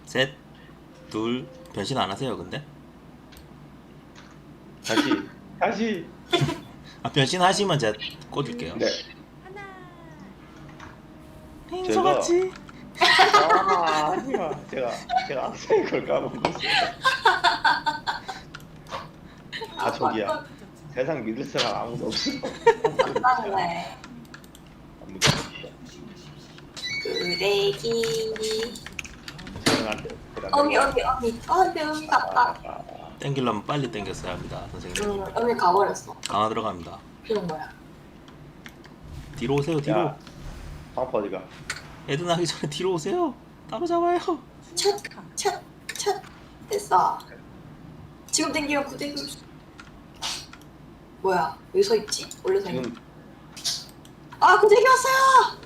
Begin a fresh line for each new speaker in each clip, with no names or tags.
셋, 둘, 변신 안 하세요, 근데?
다시.
아, 변신 하시면 제가 꽂을게요.
네. 제가
행소같이.
아니야. 제가 앞서 걸 까먹었어요. 아 저기야. 세상 믿을 사람 아무도 없어.
맞다네.
아무도 없어.
그대기.
저는 안 돼.
어미 갔다.
땡기려면 빨리 땡겼어야 합니다, 선생님.
어미 가버렸어.
강화 들어갑니다.
이건 뭐야?
뒤로 오세요, 뒤로.
야, 방파 어디가?
애드 나기 전에 뒤로 오세요. 따로 잡아요.
첫 됐어. 지금 땡기면 구대기. 뭐야? 여기 서 있지? 원래 서 있는.
지금
아 구대기 왔어요.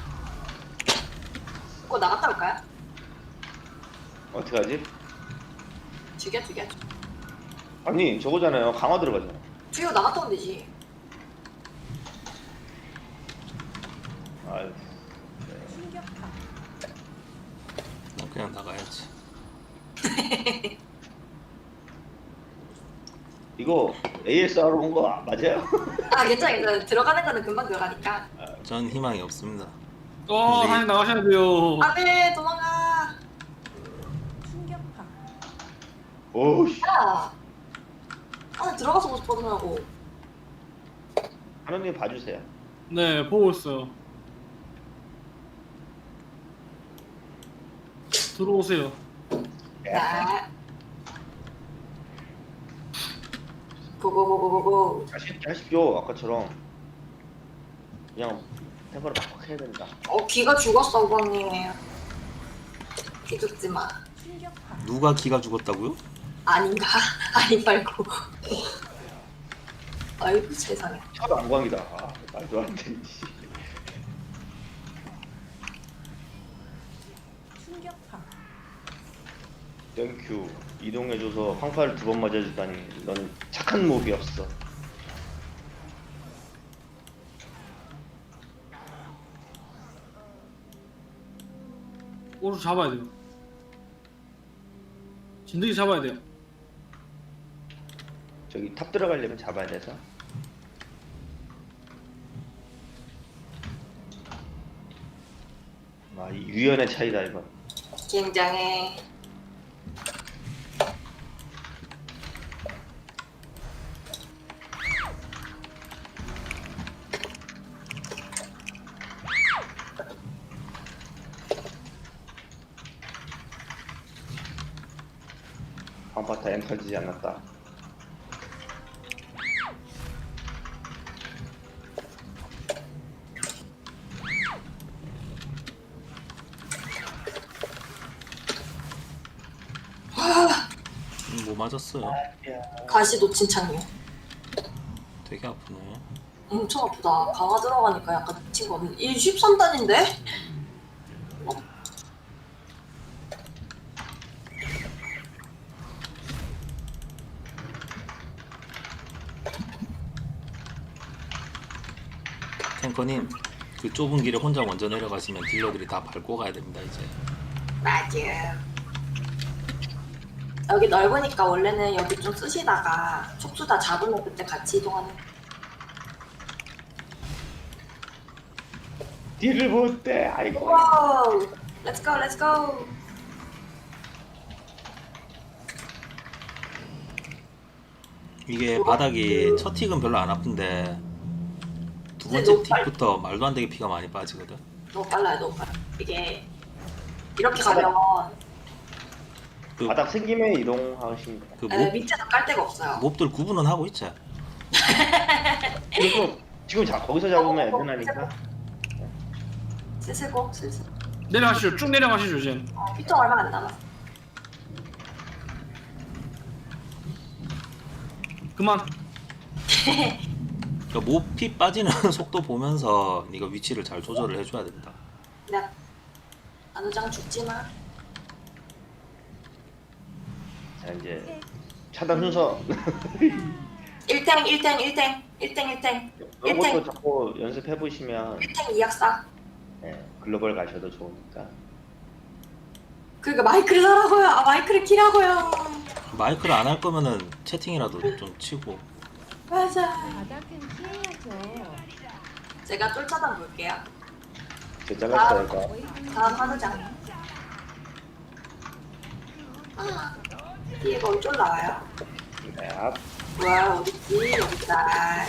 그거 나갔다 올까요?
어떻게 하지?
죽여.
아니 저거잖아요. 강화 들어가잖아.
죽이고 나갔다 오면 되지.
아유.
난 그냥 나가야지.
이거 ASR 온 거 맞아요?
아 괜찮아. 들어가는 거는 금방 들어가니까.
전 희망이 없습니다.
하나 나가셔야 돼요.
안돼 도망가.
오우씨.
야. 아 들어가서 못 받으라고.
하나님 봐주세요.
네, 보고 있어요. 들어오세요.
네. 고고고고고고.
하십시오. 아까처럼 그냥 템포를 팍팍 해야 된다.
기가 죽었어 우방님. 기 죽지 마.
누가 기가 죽었다고요?
아닌가? 아니 말고. 아이고 세상에.
첫 안광이다. 아, 말도 안 돼. 씨. 땡큐. 이동해줘서 황파를 2번 맞아주다니. 넌 착한 몹이었어.
오른쪽 잡아야 돼요. 진드기 잡아야 돼요.
저기 탑 들어가려면 잡아야 돼서. 아, 이 유연의 차이다 이건.
굉장해.
황파타 엠 터지지 않았다.
뭐 맞았어요?
가시 놓친 창이요.
되게 아프네.
엄청 아프다. 강화 들어가니까 약간 미친 거 없네. 이 13단인데?
탱커님, 그 좁은 길에 혼자 먼저 내려가시면 딜러들이 다 밟고 가야 됩니다, 이제.
맞아. 여기 넓으니까 원래는 여기 좀 쓰시다가 촉수 다 잡으면 그때 같이 이동하는.
딜을 못대. 아이고.
와우! 렛츠고 렛츠고!
이게 바닥이 첫 틱은 별로 안 아픈데 두
근데
번째
너무
틱부터 말도 안 되게 피가 많이 빠지거든.
너무 빨라요 너무 빨라. 이게 이렇게 가면
그,
바닥 생김에 이동하시면 돼요.
그
밑에서 깔 데가 없어요.
몹들 구분은 하고 있죠.
그리고 지금 거기서 잡으면 애매하니까.
슬슬
내려가시죠. 쭉 내려가시죠, 이제.
피통 얼마 안 남았어.
그만.
그러니까 몹피 빠지는 속도 보면서 네가 위치를 잘 조절을 해줘야 된다.
그냥 안우장 죽지 마.
자 이제 차단 순서.
1탱
이런 것도 자꾸 연습해 보시면
1탱 이약사.
글로벌 가셔도 좋으니까.
그러니까 마이크를 사라고요. 아, 마이크를 키라고요.
마이크를 안 할 거면은 채팅이라도 좀 치고.
맞아.
바닥은 피해야죠.
제가 쫄차단 볼게요.
제 잘랐다니까.
다음 하느장. 아, 뒤에가 어쩔 나와요?
네.
뭐야, 어딨지? 여기 있다.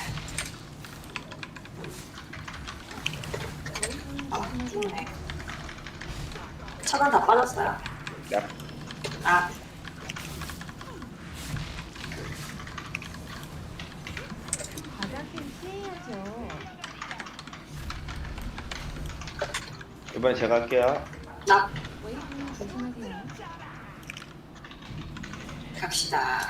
아, 죽네. 차단 다 빠졌어요.
야.
아,
바닥은 피해야죠.
이번에 제가 할게요.
나
조심하세요.
갑시다.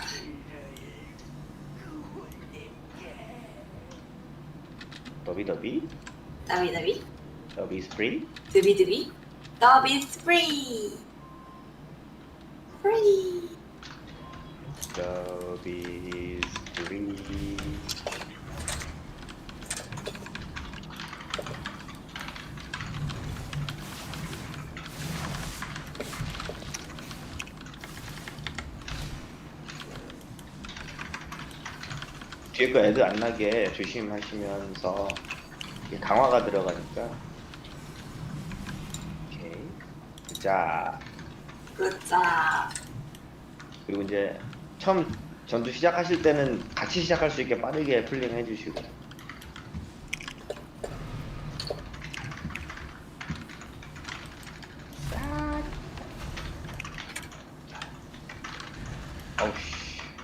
더비
더비
더비 스프리.
드비 더비 스프리 프리.
더비 스프리. 뒤에 거 애들 안 나게 조심하시면서 이게 강화가 들어가니까. 오케이. 자,
굿자.
그리고 이제 처음 전투 시작하실 때는 같이 시작할 수 있게 빠르게 풀링 해주시고. 어우씨.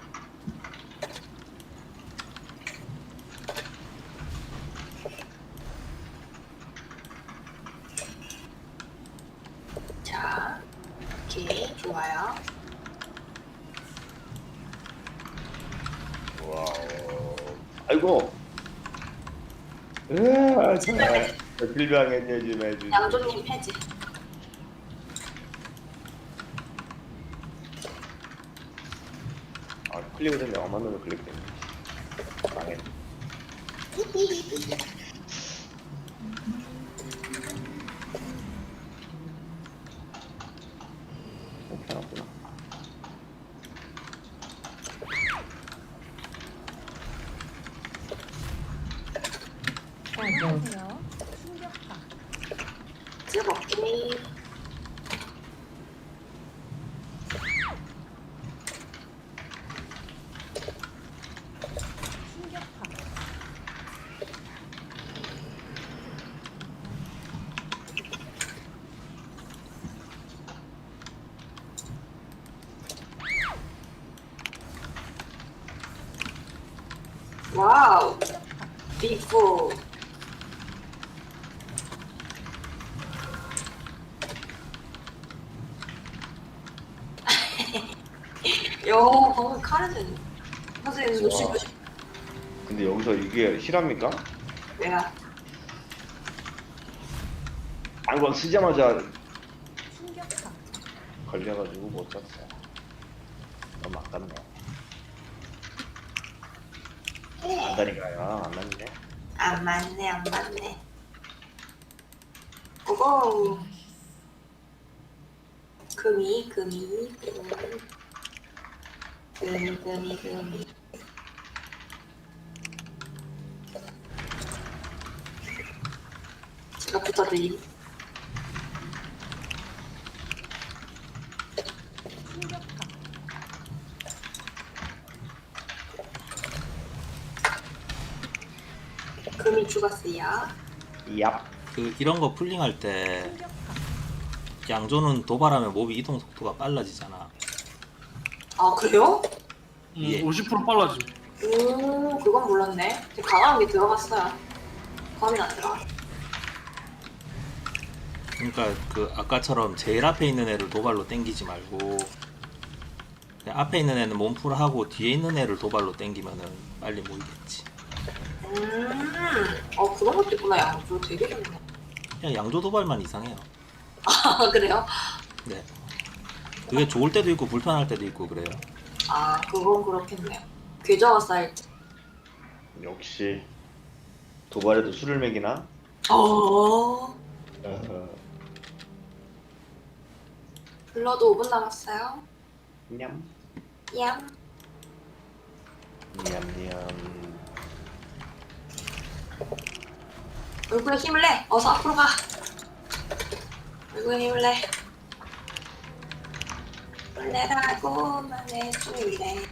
자, 오케이, 좋아요.
와우. 아이고. 으아, 정말. 빌방했냐 좀 해주지.
양조님 해지.
아, 클릭을 했는데 엄한 놈을 클릭했네. 망했네. 괜찮았구나.
조심하세요. 충격파.
즐겁게.
충격파.
와우. 비포. 요, 방금 카레는 선생님 놓치고 싶.
근데 여기서 이게 실합니까?
내가
안건 쓰자마자
충격파.
걸려가지고 못 썼어. 너무 아깝네. 안다니까요. 안 맞네.
안 맞네, 안 맞네. 오고. 금이. 제가 붙어드림.
충격파.
금이 죽었어요.
얍.
그 이런 거 풀링할 때
충격파.
양조는 도발하면 몹이 이동 속도가 빨라지잖아.
아, 그래요?
예.
50% 빨라짐.
그건 몰랐네. 되게 강한 게 들어갔어요. 감이 안 들어.
그러니까 그 아까처럼 제일 앞에 있는 애를 도발로 땡기지 말고 그냥 앞에 있는 애는 몸풀하고 뒤에 있는 애를 도발로 땡기면은 빨리 모이겠지.
그런 것도 있구나. 양조 되게 좋네.
그냥 양조 도발만 이상해요.
아, 그래요?
네. 그게 좋을 때도 있고 불편할 때도 있고 그래요.
아, 그건 그렇겠네요. 계좌가 쌓일 때.
역시 도발에도 술을 먹이나?
어,
어,
블러도 5분 남았어요.
냠.
얌.
냠냠.
얼굴에 힘을 내. 어서 앞으로 가. 얼굴에 힘을 내. 힘을 내라고만 해줄래.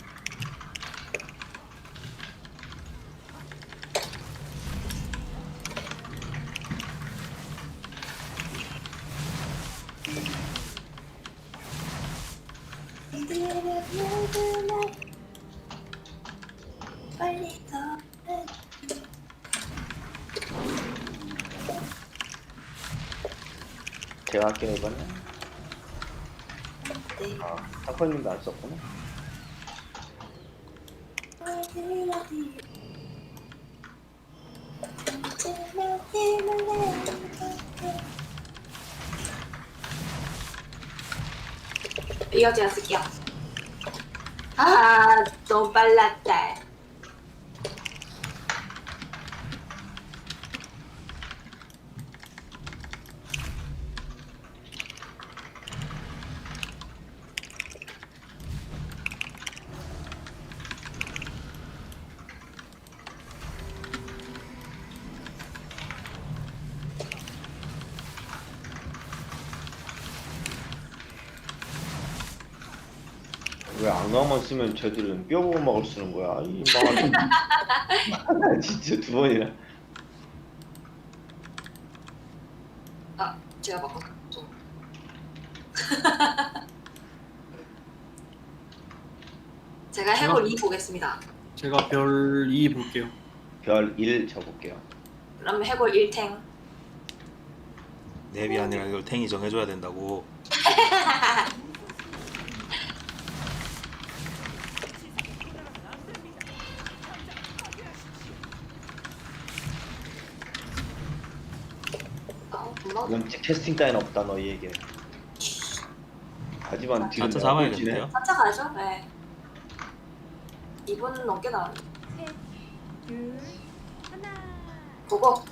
빨리 더.
제가 할게요 이번에.
네.
아, 타코님도 안 썼구나.
이거 제가 쓸게요. 아, 너무 빨랐다.
왜 안가만 쓰면 쟤들은 뼈 먹을 쓰는 거야? 이 망한. 진짜 두 번이나.
아, 제가 바꿔 좀. 제가 해골 2 보겠습니다.
제가 별 2 볼게요.
별 1 쳐볼게요.
그럼 해골 1탱.
랩이 아니라 이걸 탱이 정해줘야 된다고.
블러드.
이건 캐스팅 따윈 없다 너희에게. 하지만 뒤로
자차 잡아야겠는데요?
4차 가야죠? 네. 2분 넘게 나왔네.
셋, 둘, 하나.
보고.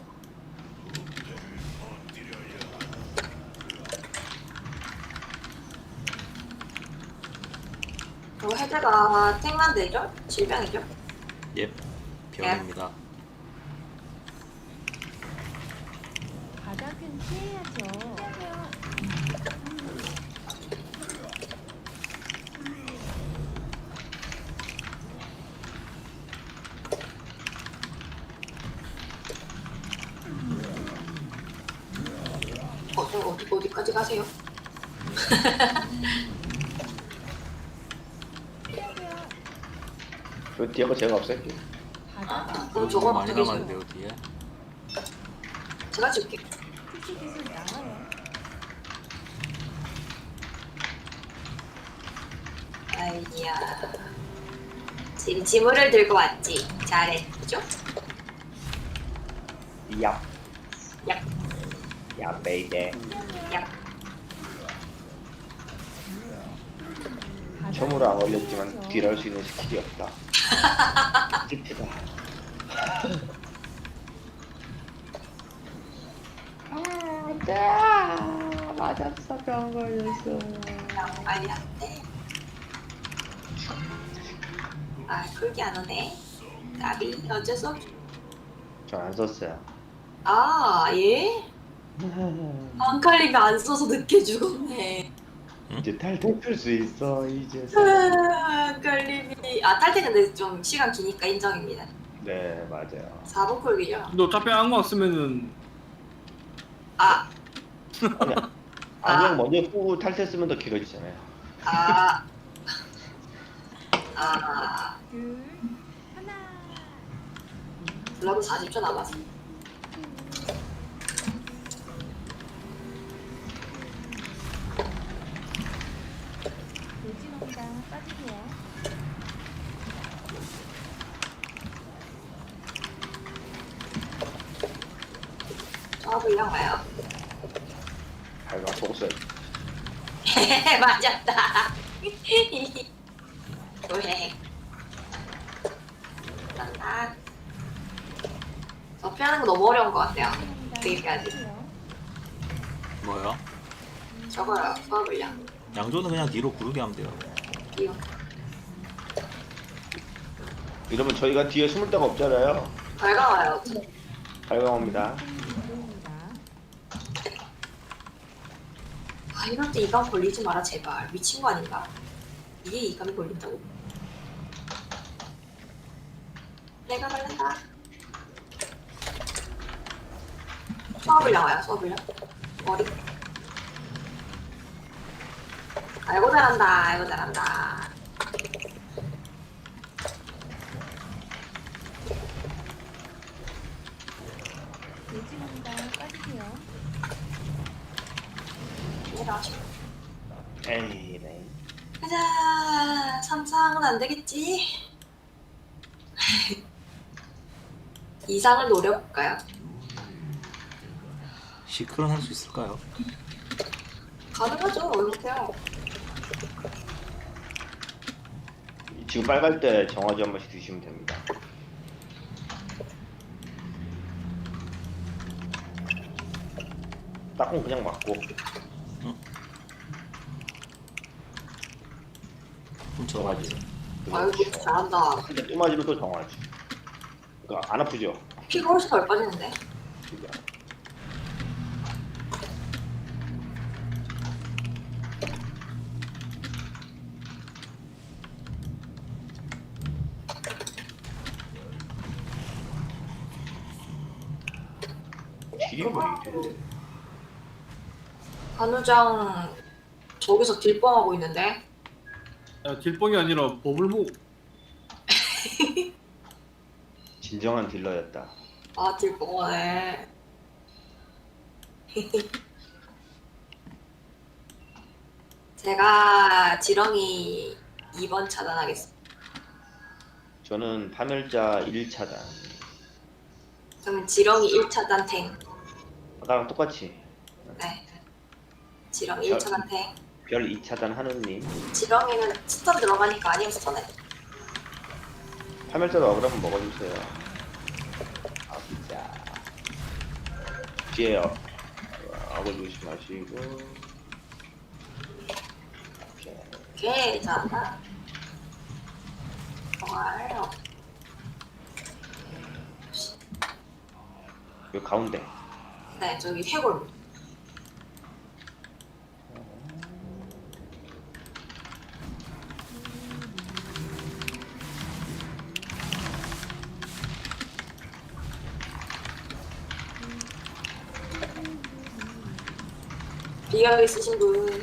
그리고 헤드가 탱만되죠? 질병이죠?
예, 병입니다.
바닥은 피해야죠.
어디까지 가세요?
그 뒤에 거 제가 없앨게요.
바닥은
그럼
너무
저거
많이
어떻게
남았는데요 뒤에.
제가 줄게.
특수 기술 나와요.
아이야. 지금 지물을 들고 왔지. 잘했죠?
야,
야,
야, 베이베.
야.
바닥은
처음으로 안 걸렸지만
피해야죠.
딜할 수 있는 스킬이 없다. 찝히다. 안돼. 맞았어, 병 걸렸어.
빨리 안 돼. 아, 그게 안 오네. 나비, 어쩔 수 없죠.
전안 썼어요.
아, 예? 안칼리가 안 써서 늦게 죽었네.
이제 탈퇴 풀수 있어 이제.
안칼림이. 아, 탈퇴 근데 좀 시간 기니까 인정입니다.
네, 맞아요.
4분 콜기죠?
근데 어차피 안광 쓰면은
아,
아니, 안경 먼저 끄고 탈퇴 쓰면 더 길어지잖아요.
아. 아.
둘, 하나.
블러드 40초 남았어.
돌진옵니다. 빠지세요.
저하고 와요.
발가 속었어요.
맞았다. 왜? 난 피하는 거 너무 어려운 것 같아요.
돌진옵니다.
되게까지.
빠지세요.
뭐요?
저거요, 저하고요.
양조는 그냥 뒤로 구르게 하면 돼요.
이거.
이러면 저희가 뒤에 숨을 데가 없잖아요.
밝아와요.
발광합니다.
보입니다.
아, 이럴 때 이감 걸리지 마라, 제발. 미친 거 아닌가? 이게 이감이 걸린다고? 내가 걸린다. 수업을량 와요, 수업을량. 머리. 아이고 잘한다, 아이고 잘한다.
요즘입니다. 빠지세요.
내려가시고.
에이, 네.
가자, 삼상은 안 되겠지? 이상을 노려볼까요?
시크론 할 수 있을까요?
가능하죠, 어렵게요.
지금 빨갈 때 정화제 한 번씩 드시면 됩니다. 딱은 그냥 맞고
훔쳐가지.
아이고 잘한다.
근데 또 맞으면 또 정화지. 그러니까 안 아프죠?
피가 훨씬 덜 빠지는데?
진짜. 딜이 뭐 이래?
한우장 저기서 딜뻥하고 있는데?
야, 딜뻥이 아니라 버블목.
진정한 딜러였다.
아 딜뻥하네. 제가 지렁이 2번 차단하겠습니다.
저는 파멸자 1차단.
그러면 지렁이 1차단 탱.
아까랑 똑같이
네. 지렁이 1차단 탱.
별 2차단 하느님.
지렁이는 스턴 들어가니까 아니면 스턴해.
파멸자도 어그럼 먹어주세요. 아 진짜. 뒤에 어글 조심하시고. 오케이.
오케이 잘한다. 좋아요.
요 가운데.
네 저기 해골. 비약 있으신 분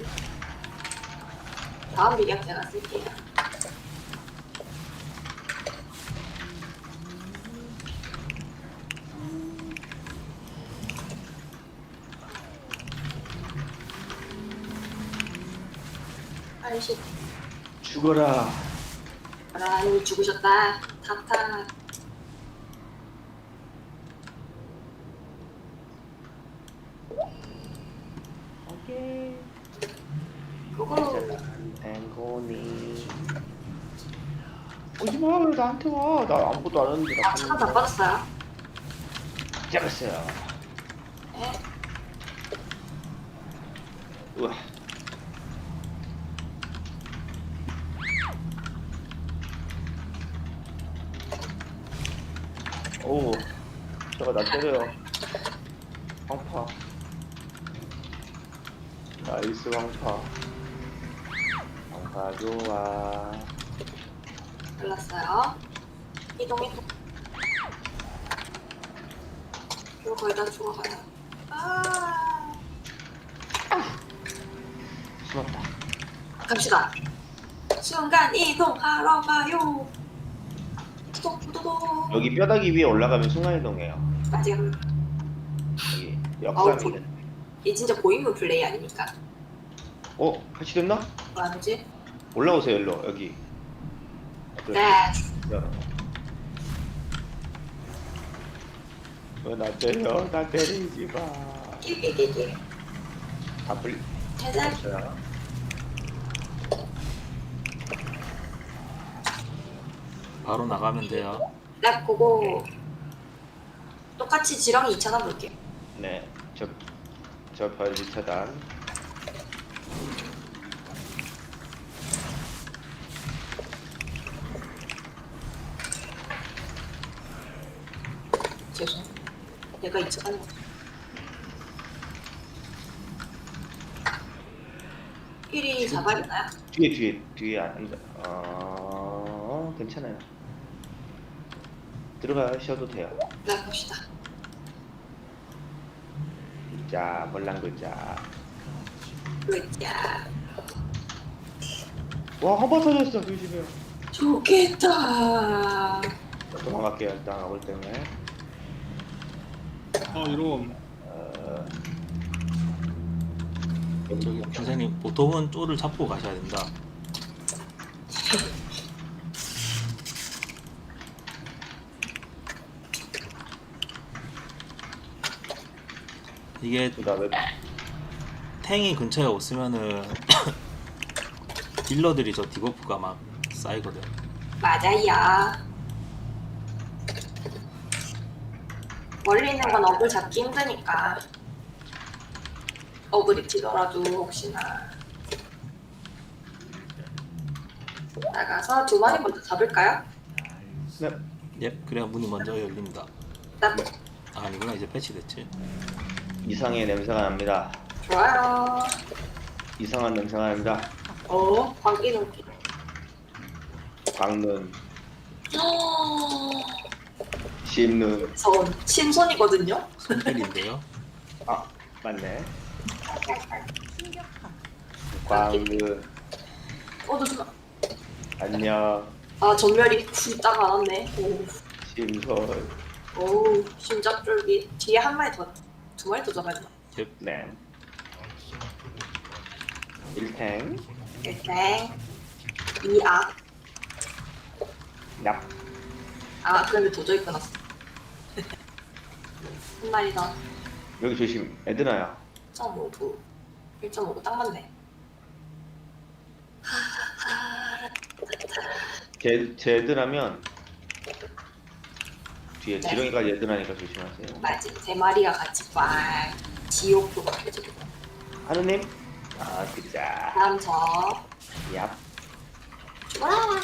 다음 비약 제가 쓸게요. 아이씨,
죽어라.
라니 죽으셨다. 탁탁.
오케이.
그거
앵고니. 오지마 나한테 와. 나 아무것도 안 했는데.
아 차단 다 빠졌어요.
잡았어요.
네.
우와. 오, 저거 나 때려요. 황파. 나이스 황파. 황파 좋아.
잘랐어요. 이동. 이거 거의 다 죽어가요. 아.
숨었다.
갑시다. 순간 이동하러 가요. 또또또.
여기 뼈다귀 위에 올라가면 순간이동해요.
아직
여기
아우,
역삼이는.
이 진짜 고인물 플레이 아닙니까?
어, 같이 됐나?
뭐 하는지?
올라오세요, 일로 여기.
네.
열어. 왜나 때려? 나 때리지 마.
끼끼끼끼.
다 풀리.
해제.
됐어요.
바로 나가면 돼요.
네, 그거 똑같이 지렁이 2차단 볼게요.
네, 저별 1차단.
죄송. 내가 이쪽한 거. 필이 잡아야 되나요?
뒤에 안 괜찮아요. 들어가셔도 돼요.
네, 봅시다.
자, 벌랑 글자.
으쌰.
와, 한 번 터졌어. 조심해요.
좋겠다.
도망갈게요. 일단 아볼 때문에.
이런.
저기 선생님 보통은 쪼를 잡고 가셔야 된다. 이게
그다음에
탱이 근처에 없으면은 딜러들이 저 디버프가 막 쌓이거든.
맞아요. 멀리 있는 건 어글 잡기 힘드니까. 어글이 튀더라도 혹시나. 나가서 두 마리 먼저 잡을까요?
네.
예, 그래야 문이 먼저 열립니다.
나
아니구나, 이제 패치됐지.
이상의 냄새가 납니다.
좋아요.
이상한 냄새가 납니다.
광기 눈기.
광는, 심는.
전 신손이거든요.
손필인데요.
아, 맞네.
충격파.
광는.
잠시만.
안녕.
전멸이 굴딱 안 왔네.
심선.
심장 쫄기. 뒤에 한 마리 더, 두 마리 더 잡아야 되나?
예,
네. 일탱.
일단 이악.
납.
그런데 도저히 끊었어. 한 마리 더.
여기 조심. 에드나야.
1.5부. 1.5부 딱 맞네.
제 에드나면 뒤에
네.
지렁이까지 에드나니까 조심하세요.
맞지. 세 마리가 같이 꽉 지옥도 가해지고.
하느님. 아, 그자.
다음 저.
얍.
죽어라.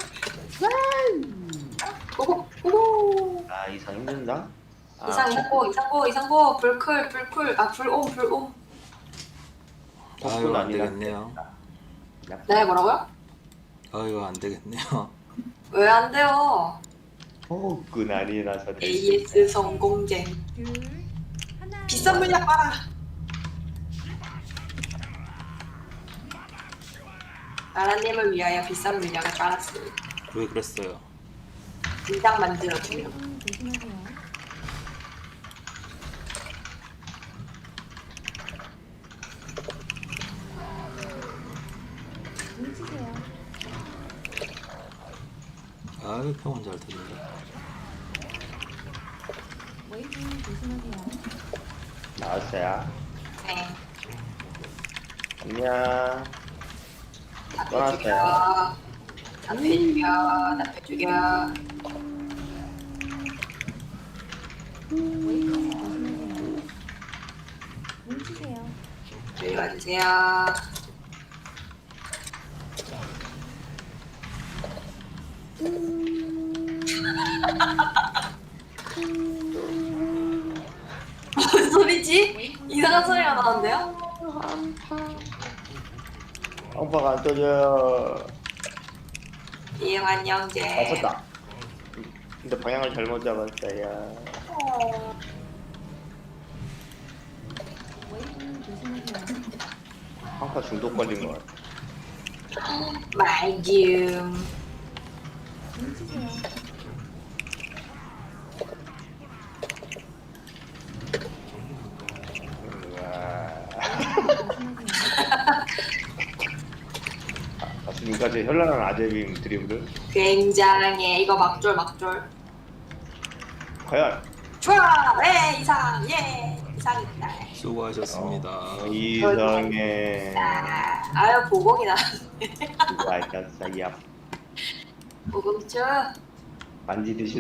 고고.
아, 이상 힘든다. 아,
이상고. 불쿨. 불옴.
아유, 안
아니라.
되겠네요.
네, 뭐라고요?
아유, 안 되겠네요.
왜 안 돼요?
폭군 아니라서
AS 성공쟁.
둘, 하나.
비싼 물약 봐라. 나라님을 위하여 비싼 물약을 깔았습니다.
왜 그랬어요?
인당 만들어주려.
조심하세요. 뭉치세요.
아유, 평은 잘 듣는다.
웨이브 조심하세요.
나왔어요.
네.
안녕.
다 빼죽여. 다 빼죽여.
웨이브 조심하세요. 뭉치세요.
여기 와주세요. 무슨 소리지? 이상한 소리가 나는데요?
빵빵 안 떠져요.
이응한 영재.
아, 쳤다. 근데 방향을 잘못 잡았어요.
웨이브 조심하세요.
빵파 중독 걸린 것 같아.
말좀.
뭉치세요.
지금까지 현란한 아재빔 드리블을
굉장해. 이거 막졸.
과연
좋아. 네, 이상이다.
수고하셨습니다.
이상해.
아유, 보공이 나.
알겠어요.
보공주.
만지듯이